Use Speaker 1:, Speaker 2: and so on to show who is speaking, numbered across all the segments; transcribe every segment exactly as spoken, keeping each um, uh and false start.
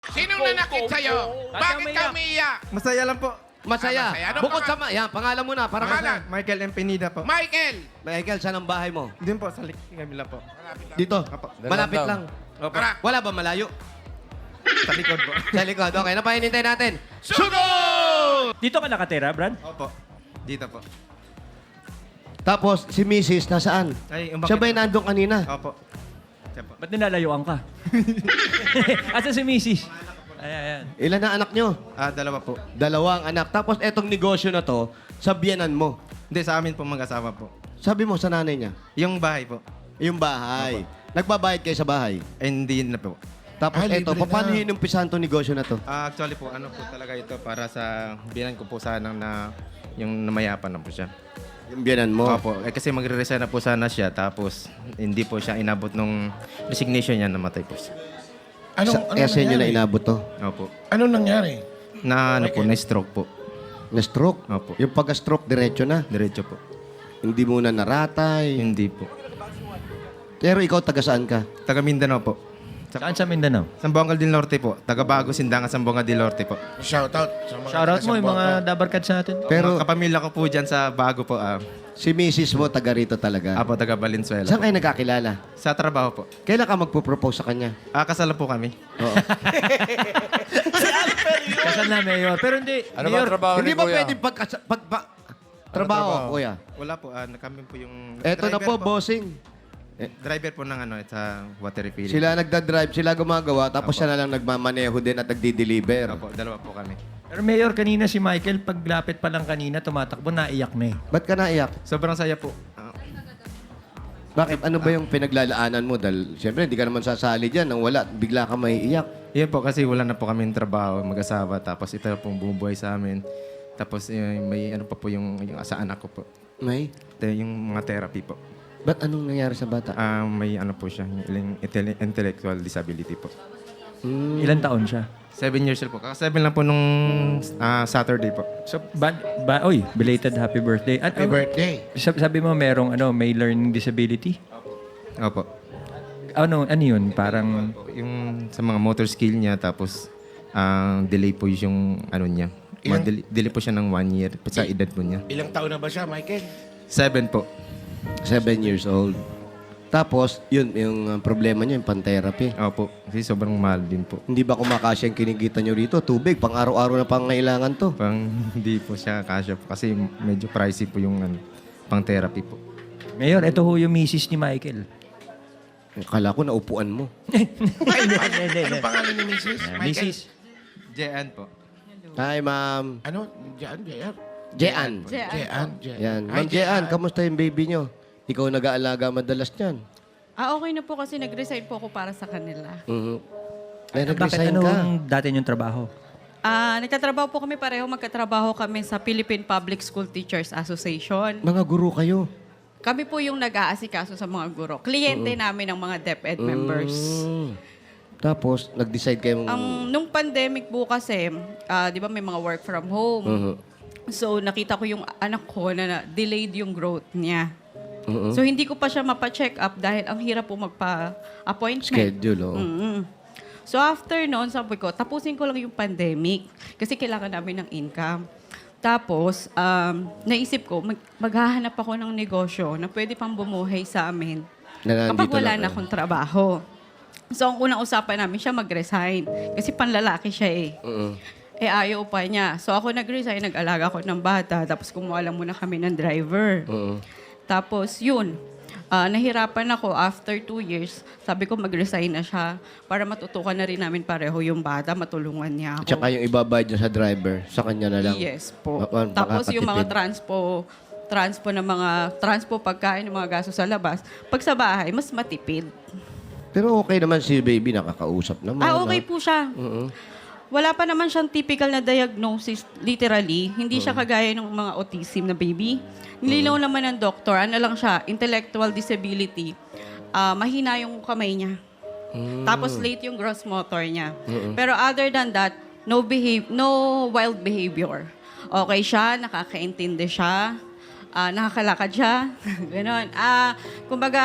Speaker 1: Sinong nanakit sa'yo? Bakit ka umiiyak?
Speaker 2: Masaya lang po.
Speaker 3: Masaya.
Speaker 1: Ah, masaya. Ano
Speaker 3: Bukod sa...
Speaker 1: pangalan?
Speaker 3: Ma yan, pangalan mo na. Para
Speaker 1: Pangalan?
Speaker 3: masaya.
Speaker 2: Michael M. Pinida po.
Speaker 1: Michael!
Speaker 3: Michael, saan ang bahay mo?
Speaker 2: Doon po, sa Kabila po.
Speaker 3: Dito.
Speaker 2: Apo.
Speaker 3: Malapit lang.
Speaker 2: Opo.
Speaker 1: Tara.
Speaker 3: Wala ba malayo?
Speaker 2: Sa likod po.
Speaker 3: Sa likod. Okay, napahinintay natin.
Speaker 1: Sunod!
Speaker 4: Dito ka nakatira, Brad?
Speaker 2: Opo. Dito po.
Speaker 3: Tapos, si Missus nasaan?
Speaker 2: Ay, umakit
Speaker 3: Siya ba yung
Speaker 2: po.
Speaker 3: nandun kanina?
Speaker 2: Opo. Siya po.
Speaker 4: Ba't nilalayuan ka? Asa si Missus? Ayan, ayan.
Speaker 3: Ilan na anak nyo?
Speaker 2: Ah, dalawa po.
Speaker 3: Dalawang anak. Tapos, etong negosyo na to, sa biyanan mo.
Speaker 2: Hindi, sa amin po mag-asawa po.
Speaker 3: Sabi mo sa nanay niya,
Speaker 2: Yung bahay po.
Speaker 3: yung bahay. Nagbabayad kayo sa bahay.
Speaker 2: Ay, hindi na po.
Speaker 3: Tapos,
Speaker 5: Ah,
Speaker 3: eto,
Speaker 5: libre
Speaker 3: paano
Speaker 5: na.
Speaker 3: hinumpisahan tong negosyo na to?
Speaker 2: Ah, actually po, ano po talaga ito para sa binan ko po sana na yung namayapan na po siya.
Speaker 3: Yung biyanan mo.
Speaker 2: Opo. Eh, kasi magre-resign na po sana siya tapos hindi po siya inabot nung resignation niya, namatay po siya.
Speaker 5: Anong,
Speaker 3: Sa,
Speaker 5: anong
Speaker 3: kaya sa inyo na
Speaker 5: nangyari?
Speaker 3: inabot to.
Speaker 2: Opo.
Speaker 5: Anong nangyari?
Speaker 2: Na ano po, na-stroke po.
Speaker 3: Na-stroke.
Speaker 2: Opo.
Speaker 3: Yung pagka-stroke, diretso na.
Speaker 2: Diretso po.
Speaker 3: Hindi muna naratay.
Speaker 2: Hindi po.
Speaker 3: Pero ikaw, taga saan ka?
Speaker 2: Taga Mindanao po. Sa
Speaker 4: Saan sa Mindanao?
Speaker 2: Sambuanga del Norte po. Taga Bago Sindangan, Sambuanga del Norte po.
Speaker 5: Shoutout sa mga
Speaker 4: Shoutout mo yung mga
Speaker 5: taga-Sambuanga.
Speaker 4: dabarkads natin.
Speaker 2: Pero
Speaker 3: Pero
Speaker 2: mga kapamilya ko po dyan sa Bago po. Ah,
Speaker 3: si Missus mo, taga rito talaga.
Speaker 2: Apo, taga Valenzuela.
Speaker 3: Saan kayo nagkakilala?
Speaker 2: Sa trabaho po.
Speaker 3: Kailan ka magpo-propose sa kanya?
Speaker 2: Ah, kasal po kami.
Speaker 3: Oo.
Speaker 4: Kasal na, Mayor. Pero hindi,
Speaker 5: Ano ba
Speaker 4: Mayor,
Speaker 5: trabaho
Speaker 3: Hindi
Speaker 5: ni
Speaker 3: ba
Speaker 5: Kuya?
Speaker 3: pwede pag, pag, pag trabaho,
Speaker 5: trabaho?
Speaker 3: kuya?
Speaker 2: Wala po. Ah, kami po yung
Speaker 3: Eto na
Speaker 2: driver
Speaker 3: po, bossing.
Speaker 2: Driver po ng ano, sa water refilling.
Speaker 3: Sila nagda-drive, sila gumagawa, tapos siya na lang nagmamaneho din at nagdi-deliver.
Speaker 2: Opo, dalawa po kami.
Speaker 4: Pero Mayor, kanina si Michael, paglapit pa lang kanina, tumatakbo, naiyak na eh.
Speaker 3: Ba't ka naiyak?
Speaker 2: Sobrang saya po. Ah,
Speaker 3: Bakit? Ano ba yung pinaglalaanan mo? Dahil, siyempre, hindi ka naman sasali dyan. Nang wala, bigla ka maiiyak.
Speaker 2: Yun po kasi wala na po kami trabaho, mag-asawa. Tapos ito pong bumubuhay sa amin. Tapos eh, may ano pa po yung, yung sa anak ko po.
Speaker 3: May?
Speaker 2: Ito yung mga therapy po.
Speaker 3: Ba't anong nangyari sa bata?
Speaker 2: Ah, may ano po siya, yung intell- intellectual disability po.
Speaker 3: Hmm.
Speaker 4: Ilan taon siya?
Speaker 2: Seven years old po. Kaka-seven lang po nung ah, Saturday po.
Speaker 4: So, ba, ba, oy, belated happy birthday. At,
Speaker 5: Happy birthday.
Speaker 4: Sabi, sabi mo, merong ano, may learning disability?
Speaker 2: Opo.
Speaker 4: Ano, ano yun? Parang,
Speaker 2: Yung sa mga motor skill niya, tapos ang delay po yung ano niya.
Speaker 5: Ilang-
Speaker 2: Delay, delay po siya ng one year sa edad po niya.
Speaker 5: Ilang taon na ba siya, Michael?
Speaker 2: Seven po.
Speaker 3: Seven years old. Tapos, yun, yung uh, problema niya, yung pan-therapy.
Speaker 2: Opo. Kasi sobrang mahal din po.
Speaker 3: Hindi ba kumakasya yung kinikita nyo rito? Tubig, pang araw-araw na pangailangan to.
Speaker 2: Pang hindi po siya kasya po. Kasi medyo pricey po yung ano, pang therapy po.
Speaker 4: Mayor, ito ho yung misis ni Michael.
Speaker 3: Akala ko naupuan mo.
Speaker 5: Anong pangalan ni Missus Michael?
Speaker 4: Misis.
Speaker 2: Jean po.
Speaker 3: Hi, ma'am.
Speaker 5: Ano? Jean, Jean.
Speaker 3: Jean.
Speaker 5: Jean, Jean.
Speaker 3: Yan.
Speaker 5: Hi,
Speaker 3: Ma'am Jean, kamusta yung baby nyo? Ikaw nag-aalaga madalas niyan.
Speaker 6: Ah, okay na po kasi nag-resign po ako para sa kanila.
Speaker 3: Mhm. Eh,
Speaker 4: Bakit
Speaker 3: nag-resign ka.
Speaker 4: anong dati yung trabaho?
Speaker 6: Ah, nagtatrabaho po kami pareho, magkatrabaho kami sa Philippine Public School Teachers Association.
Speaker 3: Mga guru kayo.
Speaker 6: Kami po yung nag-aasikaso sa mga guro. Kliyente namin ng mga DepEd members.
Speaker 3: Mm. Tapos, nag-decide kayo mong...
Speaker 6: Ang nung pandemic po kasi, ah, 'di ba may mga work from home.
Speaker 3: Mhm.
Speaker 6: So nakita ko yung anak ko na, na delayed yung growth niya.
Speaker 3: Mhm.
Speaker 6: So hindi ko pa siya mapa-check up dahil ang hirap po magpa-appointment.
Speaker 3: Schedule, oh.
Speaker 6: Mm. So after noon, sabi ko, tapusin ko lang yung pandemic kasi kailangan namin ng income. Tapos, um, naisip ko, mag- maghahanap ako ng negosyo na pwede pang bumuhay sa amin
Speaker 3: Na
Speaker 6: kapag
Speaker 3: nandito
Speaker 6: wala
Speaker 3: lang
Speaker 6: na
Speaker 3: kayo.
Speaker 6: akong trabaho. So, ang unang usapan namin siya mag-resign. Kasi panlalaki siya eh.
Speaker 3: Mhm.
Speaker 6: Eh, ayaw pa niya. So, ako nag-resign, nag-alaga ko ng bata. Tapos, kumuha lang muna kami ng driver.
Speaker 3: Mhm.
Speaker 6: Tapos, yun. Ah, nahirapan ako after two years. Sabi ko, mag-resign na siya para matutukan na rin namin pareho yung bata, matulungan niya ako.
Speaker 3: Tsaka yung ibabayad niya sa driver, sa kanya na lang.
Speaker 6: Yes po.
Speaker 3: Pa- pa-
Speaker 6: Tapos yung mga
Speaker 3: makakatipid.
Speaker 6: transpo, transpo ng mga, transpo pagkain, ng mga gasto sa labas, pag sa bahay, mas matipid.
Speaker 3: Pero okay naman si baby, nakakausap naman.
Speaker 6: Ah, okay
Speaker 3: ah.
Speaker 6: po siya.
Speaker 3: Mhm.
Speaker 6: Wala pa naman siyang typical na diagnosis, literally. Hindi siya kagaya ng mga autism na baby. Nilinaw naman ng doktor, ano lang siya, intellectual disability. Ah, mahina yung kamay niya. Tapos late yung gross motor niya. Pero other than that, no behave, no wild behavior. Okay siya, nakakaintindi siya, ah, nakakalakad siya. Ganon. Ah, kumbaga,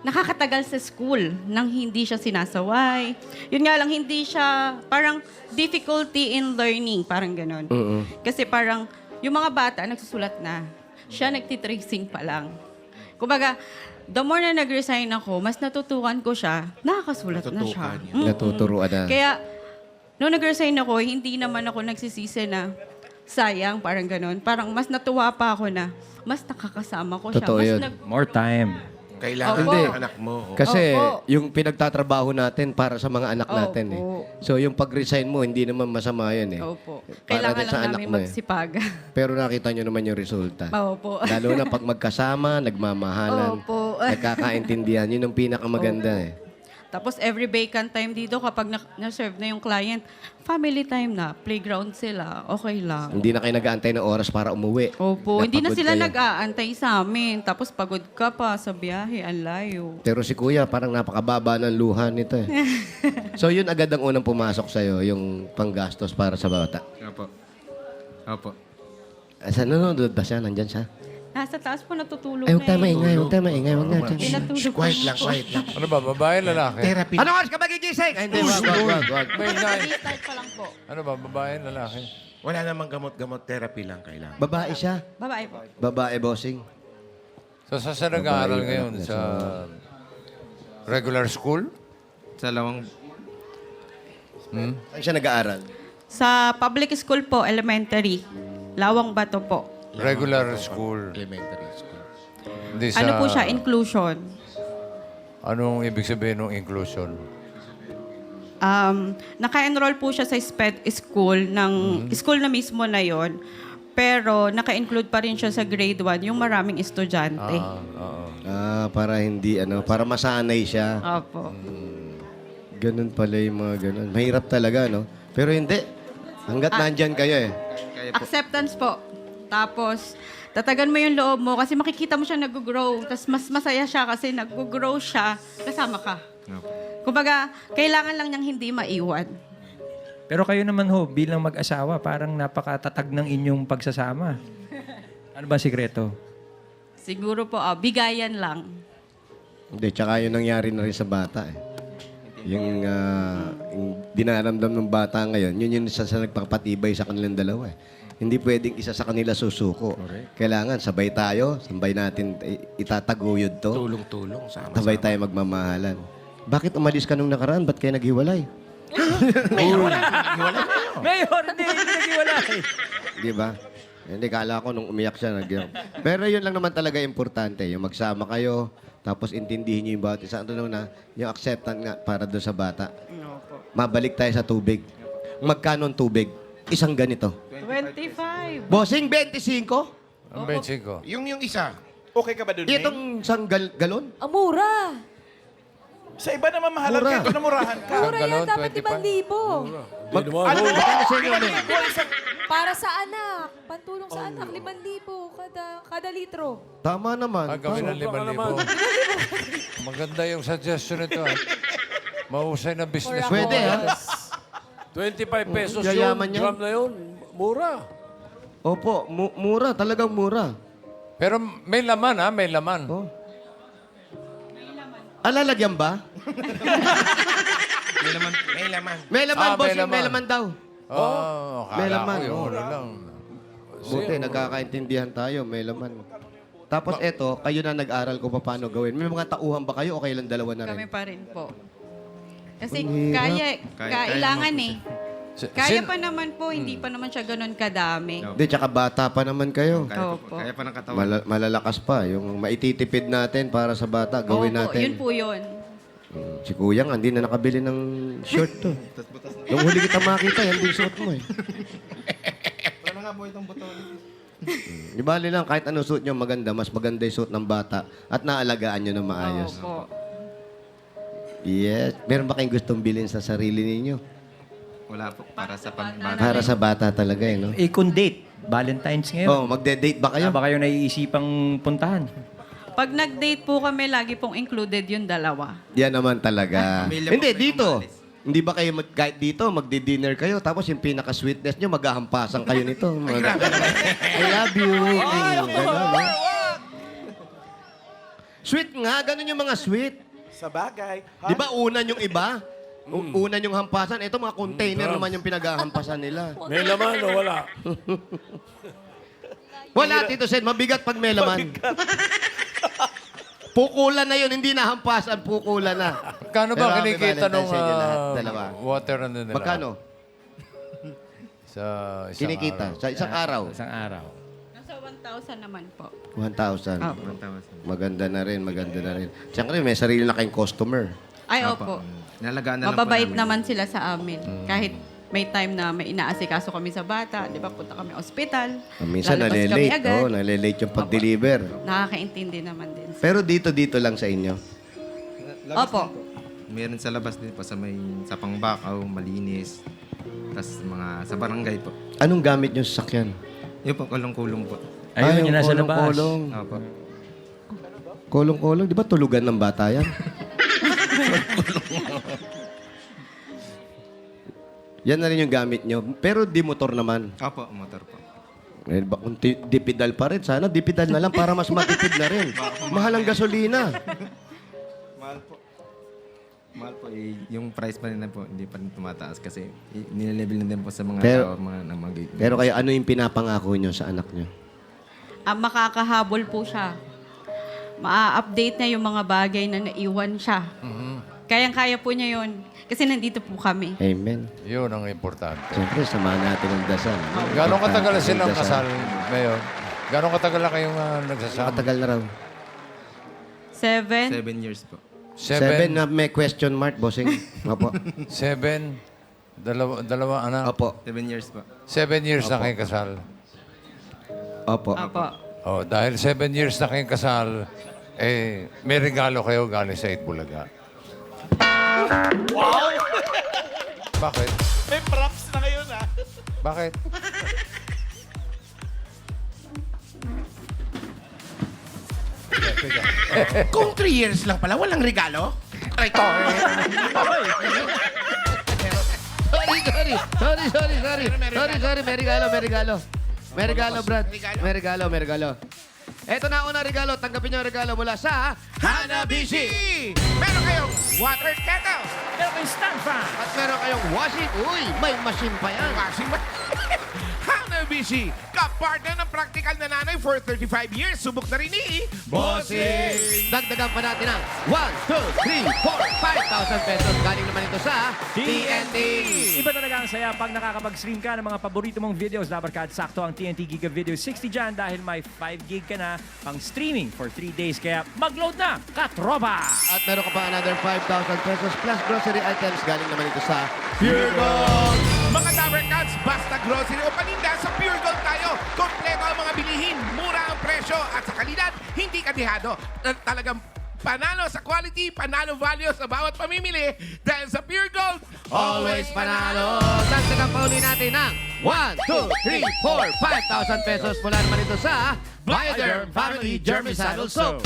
Speaker 6: nakakatagal sa school nang hindi siya sinasaway. Yun nga lang, hindi siya, parang difficulty in learning, parang ganon. Kasi parang, yung mga bata, nagsusulat na. Siya nagtitracing pa lang. Kumbaga, the more na nag-resign ako, mas natutukan ko siya, nakakasulat na siya.
Speaker 1: Natutukan niya.
Speaker 6: Mm-mm.
Speaker 3: Natuturuan na.
Speaker 6: Kaya, nung nag-resign ako, hindi naman ako nagsisisi na sayang, parang ganon. Parang mas natuwa pa ako na mas nakakasama ko siya.
Speaker 3: Totoo
Speaker 6: Mas
Speaker 3: yun.
Speaker 6: nag-
Speaker 4: More time.
Speaker 5: Kailangan
Speaker 6: Opo.
Speaker 5: ng anak mo.
Speaker 3: Kasi
Speaker 6: Opo.
Speaker 3: yung pinagtatrabaho natin para sa mga anak natin eh.
Speaker 6: Opo.
Speaker 3: So yung pag-resign mo, hindi naman masama yun eh.
Speaker 6: Opo.
Speaker 3: Para
Speaker 6: Kailangan
Speaker 3: din sa
Speaker 6: lang
Speaker 3: anak
Speaker 6: namin
Speaker 3: mo eh.
Speaker 6: magsipaga.
Speaker 3: Pero nakita nyo naman yung resulta.
Speaker 6: Opo.
Speaker 3: Lalo na pag magkasama, nagmamahalan,
Speaker 6: Opo.
Speaker 3: nagkakaintindihan. Yun ang pinakamaganda eh.
Speaker 6: Tapos every vacant time dito, kapag na- na-serve na yung client, family time na, playground sila, okay lang.
Speaker 3: Hindi na kayo nag-aantay ng oras para umuwi.
Speaker 6: Opo, hindi na
Speaker 3: Napagod
Speaker 6: sila
Speaker 3: kayo.
Speaker 6: nag-aantay sa amin. Tapos pagod ka pa sa biyahe, ang layo.
Speaker 3: Pero si Kuya, parang napakababa ng luha nito eh. So yun agad ang unang pumasok sa'yo, yung panggastos para sa bata.
Speaker 2: Opo. Opo.
Speaker 3: Asa nanonood ba siya? Nandyan siya?
Speaker 6: Nasa taas po natutulog
Speaker 3: Ay,
Speaker 6: na
Speaker 3: huwag tayo
Speaker 6: eh.
Speaker 3: maingay, huwag tayo maingay, huwag na.
Speaker 6: Eh, natulog
Speaker 5: Shh, quiet lang, quiet lang.
Speaker 7: Ano ba, babae, lalaki?
Speaker 5: Therapy.
Speaker 3: Ano oras ka magigising? Ay, hindi, wag, wag, wag, wag.
Speaker 7: May nine.
Speaker 6: Start pa lang po.
Speaker 7: Ano ba, babae, lalaki?
Speaker 5: Wala namang gamot-gamot. Therapy lang kailangan.
Speaker 3: Babae siya.
Speaker 6: Babae po.
Speaker 3: Babae, bossing.
Speaker 7: So, sa sa nag-aaral ngayon? Sa regular school?
Speaker 2: Sa lawang...
Speaker 3: Saan siya nag-aaral?
Speaker 6: Sa public school po, elementary. Lawang Bato po.
Speaker 7: Regular school.
Speaker 5: Elementary school.
Speaker 7: Hindi sa...
Speaker 6: Ano po siya? Inclusion.
Speaker 7: Anong ibig sabihin ng inclusion?
Speaker 6: Um, naka-enroll po siya sa SPED school ng school na mismo na yon. Pero naka-include pa rin siya sa grade one, yung maraming estudyante.
Speaker 7: Ah, oo.
Speaker 3: Ah, para hindi, ano, para masanay siya.
Speaker 6: Opo.
Speaker 3: Ganun pala yung mga ganun. Mahirap talaga, no? Pero hindi. Hanggat nandyan kayo eh.
Speaker 6: Acceptance po. Tapos, tatagan mo yung loob mo kasi makikita mo siya nag-grow. Tapos mas masaya siya kasi nag-grow siya, kasama ka.
Speaker 2: Opo.
Speaker 6: Kumbaga, kailangan lang niyang hindi maiwan.
Speaker 4: Pero kayo naman ho, bilang mag-asawa, parang napakatatag ng inyong pagsasama. Ano ba ang sikreto?
Speaker 6: Siguro po, ah, bigayan lang.
Speaker 3: Hindi, tsaka yun nangyari na rin sa bata eh. Yung, ah, yung dinaramdam ng bata ngayon, yun yung isa sa nagpapatibay sa kanilang dalawa eh. Hindi pwedeng isa sa kanila susuko. Kailangan sabay tayo, sabay natin i- itataguyod to.
Speaker 5: Tulong-tulong. Sama-sama.
Speaker 3: Sabay tayo magmamahalan. Bakit umalis ka nung nakaraan? Ba't kayo naghiwalay?
Speaker 5: Mayor, wala. Wala na yun.
Speaker 4: Mayor, hindi, hindi naghiwalay.
Speaker 3: Di ba? Hindi, kala ko nung umiyak siya. Nag Pero yun lang naman talaga importante. Yung magsama kayo, tapos intindihin niyo yung bawat isa. Ano naman na, yung acceptance nga para doon sa bata. Mabalik tayo sa tubig. Magkano ang tubig? Isang ganito.
Speaker 6: twenty-five.
Speaker 3: Bossing, twenty-five?
Speaker 7: Ang benching ko.
Speaker 5: Yung yung isa.
Speaker 1: Okay ka ba dun,
Speaker 3: Itong isang gal- galon?
Speaker 8: Ang mura.
Speaker 1: Sa iba naman mahalan
Speaker 3: Mura.
Speaker 1: ka, ito namurahan ka.
Speaker 8: Mura yan,
Speaker 7: galon,
Speaker 8: dapat
Speaker 7: twenty-five.
Speaker 8: limang libo.
Speaker 3: Mag- ano? Magkano sa inyo? ano?
Speaker 8: Para sa anak. Pantulong sa anak, limang libo kada, kada litro.
Speaker 3: Tama naman.
Speaker 7: Ah, gawin ng limang libo. Maganda yung suggestion nito. ah. Mahusay na business mo.
Speaker 3: Pwede, ha?
Speaker 9: twenty-five pesos
Speaker 3: Yayaman
Speaker 9: yung
Speaker 3: yan.
Speaker 9: drum na yun. Mura.
Speaker 3: Opo, mu- mura. Talagang mura.
Speaker 7: Pero may laman, ha? May laman.
Speaker 3: Oh. Alalagyan ba?
Speaker 5: May laman. May laman.
Speaker 3: May laman,
Speaker 7: Ah, may
Speaker 3: bossing. May
Speaker 7: laman.
Speaker 3: laman daw.
Speaker 7: Oh,
Speaker 3: May
Speaker 7: akala
Speaker 3: laman,
Speaker 7: ko yung
Speaker 3: oh.
Speaker 7: ano lang.
Speaker 3: Buti, nagkakaintindihan tayo. May laman. Tapos eto, kayo na nag-aral kung paano gawin. May mga tauhan ba kayo o kayo lang dalawa na rin?
Speaker 6: Kami pa rin po. Kasi
Speaker 3: Ang hirap.
Speaker 6: kaya,
Speaker 2: Kaya-
Speaker 6: kailangan
Speaker 2: kaya
Speaker 6: eh.
Speaker 7: Si-
Speaker 6: Kaya
Speaker 7: sin-
Speaker 6: pa naman po, hindi pa naman siya ganun kadami.
Speaker 3: Hindi, tsaka bata pa naman kayo.
Speaker 2: Kaya,
Speaker 6: Opo.
Speaker 2: pa, kaya pa ng katawan.
Speaker 3: Mala- malalakas pa. Yung maititipid natin para sa bata, gawin
Speaker 6: Opo,
Speaker 3: natin.
Speaker 6: yun po yun.
Speaker 3: Mm, Si Kuya nga, hindi na nakabili ng shirt to. Nung huli kita makita, yan din suot mo eh.
Speaker 2: Ano nga po itong buto?
Speaker 3: Di bali lang, kahit ano suot nyo maganda, mas maganda yung suot ng bata at naalagaan nyo na maayos.
Speaker 6: Opo.
Speaker 3: Yes. Meron ba kayong gustong bilhin sa sarili ninyo?
Speaker 2: Wala po. Para sa pambata.
Speaker 3: Para sa bata talaga eh, no?
Speaker 4: Eh, kung date, Valentine's ngayon.
Speaker 3: Oh, magde-date ba kayo?
Speaker 4: Ano ba kayo naiisipang puntahan?
Speaker 6: Pag nag-date po kami, lagi pong included yung dalawa.
Speaker 3: Yan naman talaga.
Speaker 2: Pamilya
Speaker 3: Hindi,
Speaker 2: mo kayo
Speaker 3: dito.
Speaker 2: umalis.
Speaker 3: Hindi ba kayo mag, kahit dito, magdi-dinner kayo, tapos yung pinaka-sweetness nyo, maghahampasan kayo nito. Mag- I love you. Ganun, no? Sweet nga, ganun yung mga sweet.
Speaker 1: Sa bagay.
Speaker 3: Di ba unan yung iba? U- Unan yung hampasan. Ito mga container naman yung pinaghahampasan nila.
Speaker 9: May laman o wala?
Speaker 3: Wala, Tito Sen. Mabigat pag may laman. Pukulan na yun. Hindi na hampasan. Pukulan na.
Speaker 7: Kano
Speaker 3: Pero
Speaker 7: ba
Speaker 3: happy
Speaker 7: kinikita
Speaker 3: Valentine's
Speaker 7: nung
Speaker 3: sa inyo lahat,
Speaker 7: ah,
Speaker 3: dalawa.
Speaker 7: water ano nila?
Speaker 3: Magkano?
Speaker 7: Sa isang
Speaker 3: Kinikita.
Speaker 7: araw.
Speaker 3: Sa isang araw.
Speaker 4: Isang araw.
Speaker 6: Nasa one thousand naman po.
Speaker 3: one thousand.
Speaker 6: Opo.
Speaker 2: one thousand.
Speaker 3: Maganda na rin. Maganda na rin. Siyempre, may sarili na kayong customer.
Speaker 6: Ay, opo.
Speaker 2: Nalagaan na lang po
Speaker 6: Mababait
Speaker 2: namin.
Speaker 6: naman sila sa amin. Kahit may time na may inaasikaso kami sa bata, di ba, punta kami ospital.
Speaker 3: Ah, Minsan
Speaker 6: lalabas kami
Speaker 3: nalilate.
Speaker 6: agad.
Speaker 3: Oh, nalilate yung pag-deliver.
Speaker 6: Nakakaintindi naman din.
Speaker 3: Pero dito-dito lang sa inyo.
Speaker 6: Opo.
Speaker 2: Meron sa labas din po sa may sa Pangbakaw, malinis. Tapos mga sa barangay po.
Speaker 3: Anong gamit nyo sa sakyan?
Speaker 2: Yun po, kulong-kulong po.
Speaker 4: Ayun,
Speaker 3: Ay,
Speaker 4: yung nasa labas.
Speaker 3: kolong-kolong.
Speaker 2: Opo.
Speaker 3: Kolong-kolong. Di ba tulugan ng bata yan? Yan na rin yung gamit nyo. Pero di motor naman.
Speaker 2: Opo, motor po.
Speaker 3: Eh, ba, kung ti- dipidal pa rin, sana dipidal na lang para mas matipid na rin. Mahal ang gasolina.
Speaker 2: Mahal po. Mahal po. Eh, yung price pa rin na po, hindi pa rin tumataas kasi i- nilelevel na din po sa mga
Speaker 3: Pero-
Speaker 2: tao, mga namag-
Speaker 3: Pero kaya ano yung pinapangako nyo sa anak nyo?
Speaker 6: Ah, makakahabol po siya. Ma-update niya yung mga bagay na naiwan siya. Kayang-kaya po niya yun. Kasi nandito po kami.
Speaker 3: Amen.
Speaker 7: Yun ang importante.
Speaker 3: Siyempre, samahan natin ang dasal.
Speaker 7: Gano'ng katagal na
Speaker 3: Importante
Speaker 7: silang
Speaker 3: ang dasal.
Speaker 7: kasal, Mayor? Gano'ng katagal na kayong uh, nagsasama?
Speaker 3: Matagal na raw.
Speaker 6: Seven.
Speaker 2: Seven years po.
Speaker 3: Seven,
Speaker 7: Seven?
Speaker 3: na may question mark, bossing. Opo.
Speaker 7: Seven? Dalawa, dalawa anak?
Speaker 3: Opo.
Speaker 2: Seven years po.
Speaker 7: Seven years na kayong kasal.
Speaker 3: Opo.
Speaker 6: Opo.
Speaker 7: Oh, dahil seven years na kayong kasal, eh, may regalo kayo galing sa Itbulaga.
Speaker 1: Wow!
Speaker 7: Bakit?
Speaker 1: May props na ngayon, ah.
Speaker 7: Bakit?
Speaker 5: Kung three years lang pala, walang regalo? Ay, to.
Speaker 3: Sorry, sorry. Sorry, sorry, sorry. Sorry, sorry. May regalo, may regalo. May regalo, Brad. May regalo, may regalo. Eto na una regalo. Tanggapin niyo ang regalo mula sa
Speaker 5: Hanabishi! Meron kayong water kettle.
Speaker 4: Pero may stand fan.
Speaker 3: at meron kayong washing. Uy, may machine pa yan.
Speaker 5: Washing machine. Hanabishi, kapartner ng practical na nanay for thirty-five years. Subok na rin ni Bossing.
Speaker 3: Dagdagan pa natin ang one, two, three, four, five thousand pesos. Galing naman ito sa T N T.
Speaker 4: Iba talaga ang saya pag nakakapag-stream ka ng mga paborito mong videos. Dapat sakto ang T N T Giga Video sixty dyan dahil may five gig ka na pang streaming for three days. Kaya mag-load na, katropa!
Speaker 3: At meron ka pa another five thousand pesos plus grocery items. Galing naman ito sa Pure Gold.
Speaker 5: Mga Dabber Cats, basta grocery o paninda, sa Pure Gold tayo. Kompleto ang mga bilihin, mura ang presyo at sa kalidad, hindi kadihado. At talagang panalo sa quality, panalo value sa bawat pamimili dahil sa Pure Gold,
Speaker 3: Always panalo. Dagdagan pa uli natin ng one, two, three, four, five thousand pesos mula naman ito sa Bioderm Family Germicidal Soap.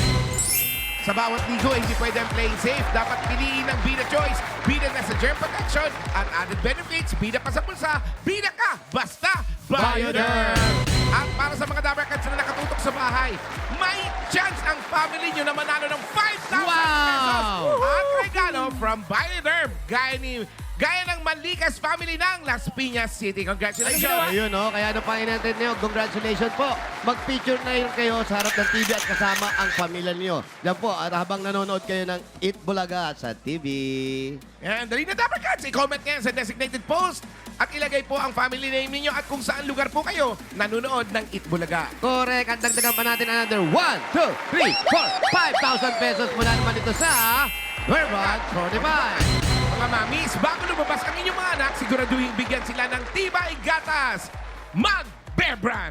Speaker 5: Sa bawat ligo, hindi pwede ang playing safe. Dapat piliin ang Bida Choice. Bida na sa germ protection at added benefits. Bida pa sa bulsa. Bida ka! Basta Bioderm! At para sa mga Dabber Cats na nakatutok sa bahay, may chance ang family nyo na manalo ng five thousand pesos at regalo from Bioderm. Gaya ni Gaya ng Manlikas family ng Las Piñas City. Congratulations!
Speaker 3: Ayun, no? Kaya ano pa inantay niyo? Congratulations po. Mag-picture na yun kayo sa harap ng T V at kasama ang pamilya niyo. Yan po, at habang nanonood kayo ng Eat Bulaga sa T V.
Speaker 5: Yan, dali na Dabber Cats. I-comment ngayon sa designated post at ilagay po ang family name ninyo at kung saan lugar po kayo nanonood ng Eat Bulaga.
Speaker 3: Correct. At dagdagan pa natin another one, two, three, four, five thousand pesos mula naman ito sa Vermont forty-five.
Speaker 5: Mga mamis, bago lumabas ang inyong mga anak, siguraduhin bigyan sila ng tibay gatas. Mag Bear Brand.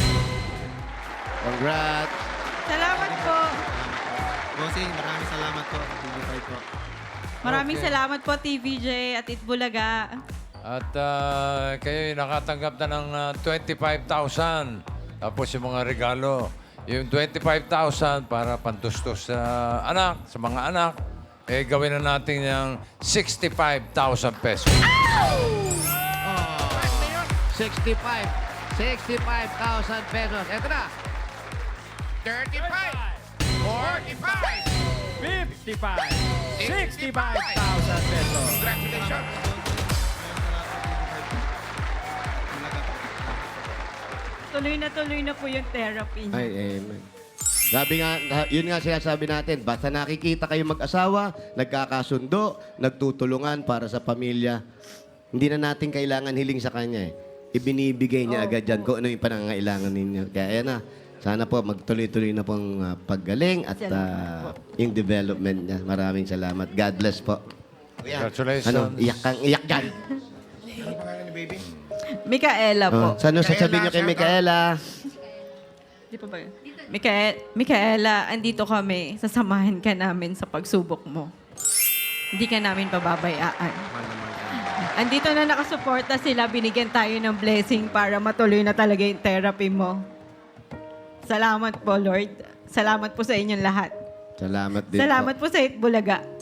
Speaker 3: Congrats.
Speaker 6: Salamat po.
Speaker 2: Bossing, maraming salamat po. T V five po.
Speaker 6: Maraming
Speaker 7: Okay.
Speaker 6: salamat po, T V J at Itbulaga.
Speaker 7: At uh, kayo nakatanggap na ng uh, twenty-five thousand. Tapos yung mga regalo. Yung twenty-five thousand para pantustos sa anak, sa mga anak. Eh, gawin na natin yung sixty-five thousand pesos.
Speaker 3: sixty-five. sixty-five thousand pesos. Ito na.
Speaker 5: thirty-five. forty-five.
Speaker 4: fifty-five. sixty-five thousand pesos.
Speaker 5: Congratulations.
Speaker 6: Tuloy na tuloy na po yung therapy niya.
Speaker 3: Ay, amen. Sabi nga, yun nga sinasabi natin, basta nakikita kayo mag-asawa, nagkakasundo, nagtutulungan para sa pamilya, hindi na natin kailangan hiling sa kanya eh. Ibinibigay niya agad dyan kung ano yung panangailangan ninyo. Kaya ayan na, sana po magtuloy-tuloy na pong uh, paggaling at uh, yung development niya. Maraming salamat. God bless po.
Speaker 7: Congratulations.
Speaker 3: Ano, iyak kang iyak dyan.
Speaker 6: Micaela po.
Speaker 3: Oh, saan sasabihin niyo kay Micaela?
Speaker 6: Di pa ba yun? Micaela, Micaela, andito kami. Sasamahan ka namin sa pagsubok mo. Hindi ka namin pababayaan. Andito na nakasuporta sila. Binigyan tayo ng blessing para matuloy na talaga yung therapy mo. Salamat po, Lord. Salamat po sa inyong lahat.
Speaker 3: Salamat din
Speaker 6: Salamat
Speaker 3: po.
Speaker 6: po sa Itbulaga.